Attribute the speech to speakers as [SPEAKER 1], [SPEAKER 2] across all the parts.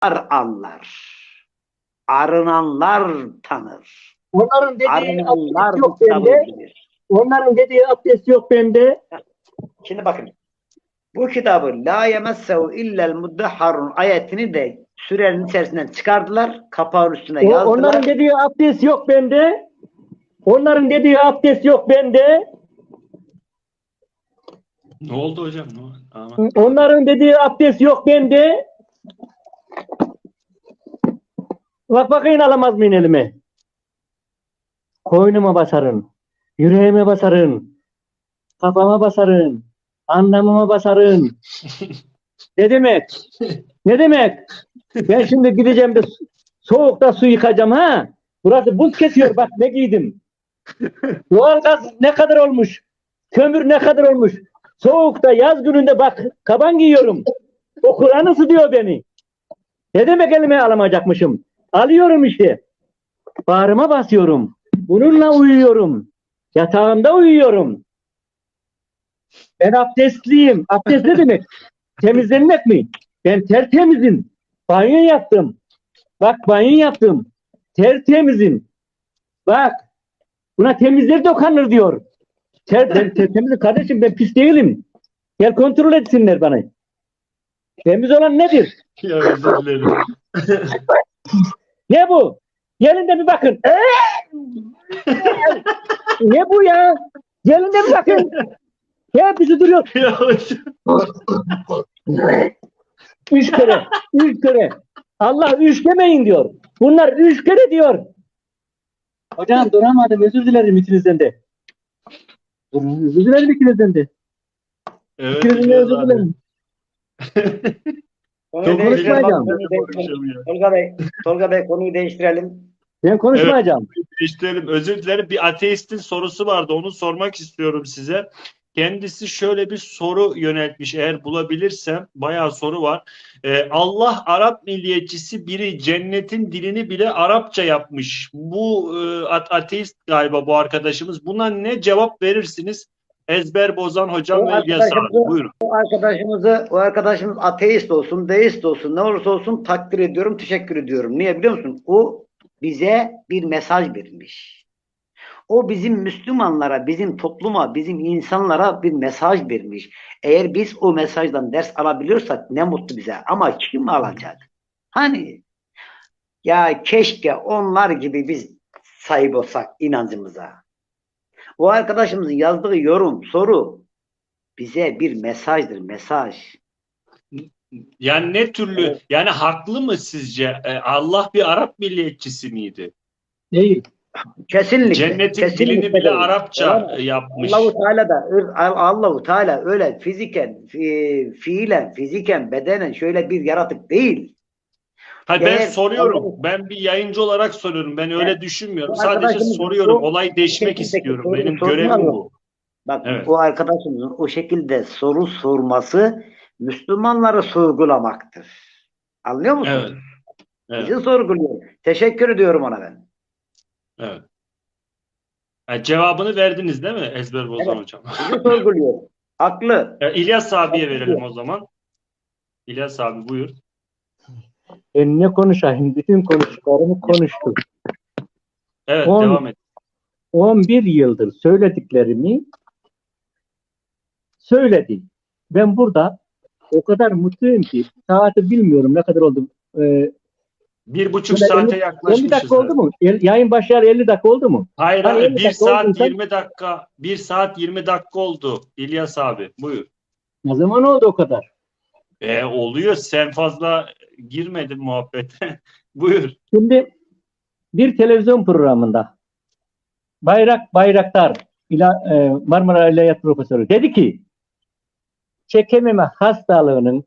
[SPEAKER 1] anlar. Arınanlar tanır.
[SPEAKER 2] Onların dediği
[SPEAKER 1] Arınanlar
[SPEAKER 2] abdest
[SPEAKER 1] bu
[SPEAKER 2] yok
[SPEAKER 1] kitabı
[SPEAKER 2] bende.
[SPEAKER 1] bilir.
[SPEAKER 2] Onların dediği abdest yok bende.
[SPEAKER 1] Şimdi bakın. Bu kitabı la yemessehu illel muddahharun ayetini de sürenin içerisinden çıkardılar. Kapağın üstüne yazdılar.
[SPEAKER 2] Onların dediği abdest yok bende. Onların dediği abdest yok bende.
[SPEAKER 3] Ne oldu hocam? Ne oldu? Ama
[SPEAKER 2] Onların dediği abdest yok bende. Bak bakayım alamaz mıyım elime? Koynuma basarın. Yüreğime basarın. Kafama basarın. Anlamıma basarın. Ne demek? Ne demek? Ben şimdi gideceğim de soğukta su yıkacağım ha. Burası buz kesiyor. Bak ne giydim. Doğalgaz ne kadar olmuş? Kömür ne kadar olmuş? Soğukta yaz gününde bak kaban giyiyorum. O Kur'an ısıtıyor beni. Ne demek elime alamayacakmışım? Alıyorum işte. Bağrıma basıyorum. Bununla uyuyorum. Yatağımda uyuyorum. Ben abdestliyim. Abdest ne demek? Temizlenmek mi? Ben tertemizim. Banyo yaptım. Bak banyo yaptım. Tertemizim. Bak. Buna temizler dokanır diyor. Ben temizim kardeşim, ben pis değilim. Gel kontrol etsinler bana. Temiz olan nedir?
[SPEAKER 3] ya özür dilerim.
[SPEAKER 2] Ne bu? Gelin de bir bakın. Ne bu ya? Gelin de bir bakın. Hepsi duruyor.
[SPEAKER 3] Ya hocam.
[SPEAKER 2] 3 kere. 3 kere. Allah 3 demeyin diyor. Bunlar 3 kere diyor. Hocam duramadım. Özür dilerim ikinizden de. Özür dilerim ikinizden de.
[SPEAKER 3] Evet,
[SPEAKER 2] İkinizden de özür dilerim.
[SPEAKER 1] Konuyu
[SPEAKER 3] Çok
[SPEAKER 1] değiştirelim.
[SPEAKER 2] konuşmayacağım.
[SPEAKER 1] Tolga Bey konuyu değiştirelim.
[SPEAKER 2] Ben konuşmayacağım.
[SPEAKER 3] İşte özür dilerim. Bir ateistin sorusu vardı. Onu sormak istiyorum size. Kendisi şöyle bir soru yöneltmiş. Eğer bulabilirsem bayağı soru var. Allah Arap milliyetçisi biri cennetin dilini bile Arapça yapmış. Bu ateist galiba bu arkadaşımız. Buna ne cevap verirsiniz? Ezber bozan hocam ve İlyas abi. Buyurun.
[SPEAKER 1] O arkadaşımız ateist olsun, deist olsun, ne olursa olsun takdir ediyorum, teşekkür ediyorum. Niye biliyor musun? O bize bir mesaj vermiş. O bizim Müslümanlara, bizim topluma, bizim insanlara bir mesaj vermiş. Eğer biz o mesajdan ders alabiliyorsak ne mutlu bize. Ama kim alacak? Hani ya keşke onlar gibi biz sahip olsak inancımıza. O arkadaşımızın yazdığı yorum, soru bize bir mesajdır, mesaj.
[SPEAKER 3] Yani ne türlü,
[SPEAKER 1] Evet.
[SPEAKER 3] yani haklı mı sizce? Allah bir Arap milliyetçisi miydi?
[SPEAKER 2] Değil.
[SPEAKER 1] Kesinlikle.
[SPEAKER 3] Cennetin
[SPEAKER 1] Kesinlikle
[SPEAKER 3] dilini bile
[SPEAKER 1] değil.
[SPEAKER 3] Arapça yapmış.
[SPEAKER 1] Allahu Teala öyle fiilen, fiziken, bedenen şöyle bir yaratık değil.
[SPEAKER 3] Hayır, ben
[SPEAKER 1] Eğer
[SPEAKER 3] soruyorum. Ben bir yayıncı olarak soruyorum. Ben öyle düşünmüyorum.
[SPEAKER 1] bu
[SPEAKER 3] Sadece
[SPEAKER 1] arkadaşımız
[SPEAKER 3] soruyorum.
[SPEAKER 1] bu
[SPEAKER 3] Olayı deşmek
[SPEAKER 1] şekildeki
[SPEAKER 3] istiyorum.
[SPEAKER 1] soruyu
[SPEAKER 3] Benim
[SPEAKER 1] sormuyor
[SPEAKER 3] görevim
[SPEAKER 1] mu?
[SPEAKER 3] bu.
[SPEAKER 1] Bak
[SPEAKER 3] Evet.
[SPEAKER 1] o arkadaşımızın o şekilde soru sorması Müslümanları sorgulamaktır. Anlıyor musun?
[SPEAKER 3] Evet. Evet.
[SPEAKER 1] Bizi sorguluyor. Teşekkür ediyorum ona ben.
[SPEAKER 3] Evet. Yani cevabını verdiniz değil mi Ezber Bozan
[SPEAKER 1] Evet.
[SPEAKER 3] hocam?
[SPEAKER 1] Bizi sorguluyor. Haklı.
[SPEAKER 3] İlyas abiye verelim o zaman. İlyas abi buyur.
[SPEAKER 2] Ben ne konuşayım? Bütün konuştuklarımı konuştum.
[SPEAKER 3] Evet,
[SPEAKER 2] 10
[SPEAKER 3] devam et.
[SPEAKER 2] 11 yıldır söylediklerimi söyledi. Ben burada o kadar mutluyum ki saati bilmiyorum ne kadar oldu.
[SPEAKER 3] 1,5 saate
[SPEAKER 2] 50
[SPEAKER 3] yaklaşmışız.
[SPEAKER 2] dakika oldu mu? Yayın başlayalı 50 dakika oldu mu?
[SPEAKER 3] Hayır
[SPEAKER 2] Hani
[SPEAKER 3] abi,
[SPEAKER 2] 50
[SPEAKER 3] 1
[SPEAKER 2] dakika
[SPEAKER 3] saat
[SPEAKER 2] olduysa-
[SPEAKER 3] 20 dakika. 1 saat 20 dakika oldu. İlyas abi buyur.
[SPEAKER 2] Ne zaman oldu o kadar?
[SPEAKER 3] Oluyor. Sen fazla girmedin muhabbete. Buyur.
[SPEAKER 2] Şimdi bir televizyon programında Bayraktar Marmara İlahiyat Profesörü dedi ki çekememe hastalığının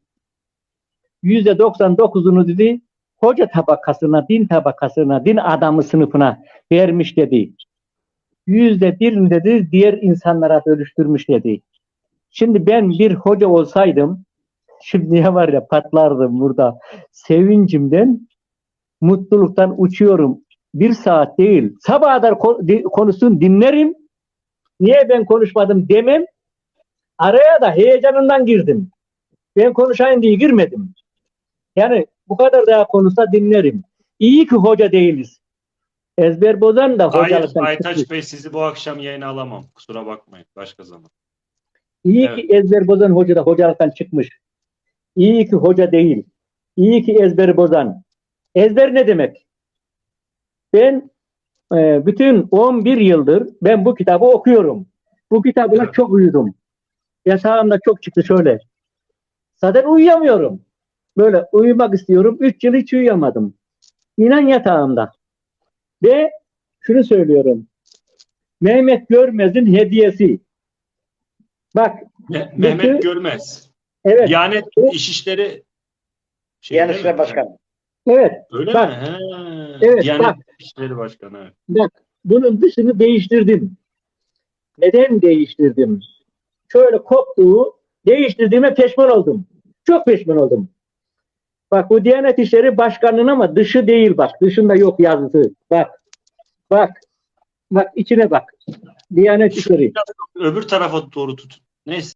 [SPEAKER 2] %99'unu dedi hoca tabakasına, din tabakasına, din adamı sınıfına vermiş dedi. %1'ini dedi diğer insanlara bölüştürmüş dedi. Şimdi ben bir hoca olsaydım şimdiye var ya patlardım burada. Sevincimden, mutluluktan uçuyorum. 1 saat değil. Sabaha kadar konuşsun dinlerim. Niye ben konuşmadım demem. Araya da heyecanından girdim. Ben konuşayım diye girmedim. Yani Bu kadar daha konuşsa dinlerim. İyi ki hoca değiliz. Ezber bozan da
[SPEAKER 3] Hayır
[SPEAKER 2] hocalıktan
[SPEAKER 3] Aytaç
[SPEAKER 2] çıkmış.
[SPEAKER 3] Bey, sizi bu akşam yayına alamam. Kusura bakmayın. Başka zaman.
[SPEAKER 2] İyi
[SPEAKER 3] Evet.
[SPEAKER 2] ki ezber bozan hoca da hocalıktan çıkmış. İyi ki hoca değil. İyi ki ezberi bozan. Ezber ne demek? Ben bütün 11 yıldır ben bu kitabı okuyorum. Bu kitabına
[SPEAKER 3] Evet.
[SPEAKER 2] çok uyudum. Yatağımda çok çıktı şöyle. Zaten uyuyamıyorum. Böyle uyumak istiyorum. 3 yıl hiç uyuyamadım. İnan yatağımda. Ve şunu söylüyorum. Mehmet Görmez'in hediyesi. Bak,
[SPEAKER 3] Mehmet Görmez.
[SPEAKER 2] evet,
[SPEAKER 3] Diyanet İşleri
[SPEAKER 1] Yani
[SPEAKER 3] değil mi?
[SPEAKER 1] İşleri Başkanı.
[SPEAKER 2] evet,
[SPEAKER 3] Öyle
[SPEAKER 2] bak,
[SPEAKER 3] mi? He.
[SPEAKER 2] evet,
[SPEAKER 3] Diyanet
[SPEAKER 2] bak,
[SPEAKER 3] İşleri Başkanı. Evet.
[SPEAKER 2] bak. Bunun dışını değiştirdim. Neden değiştirdim? Şöyle koptuğu, değiştirdiğime pişman oldum. Çok pişman oldum. Bak, bu Diyanet İşleri Başkanı'nın ama dışı değil bak. Dışında yok yazısı. Bak, bak, bak içine bak. Diyanet
[SPEAKER 3] Şu
[SPEAKER 2] İşleri.
[SPEAKER 3] öbür tarafa doğru tutun. Neyse.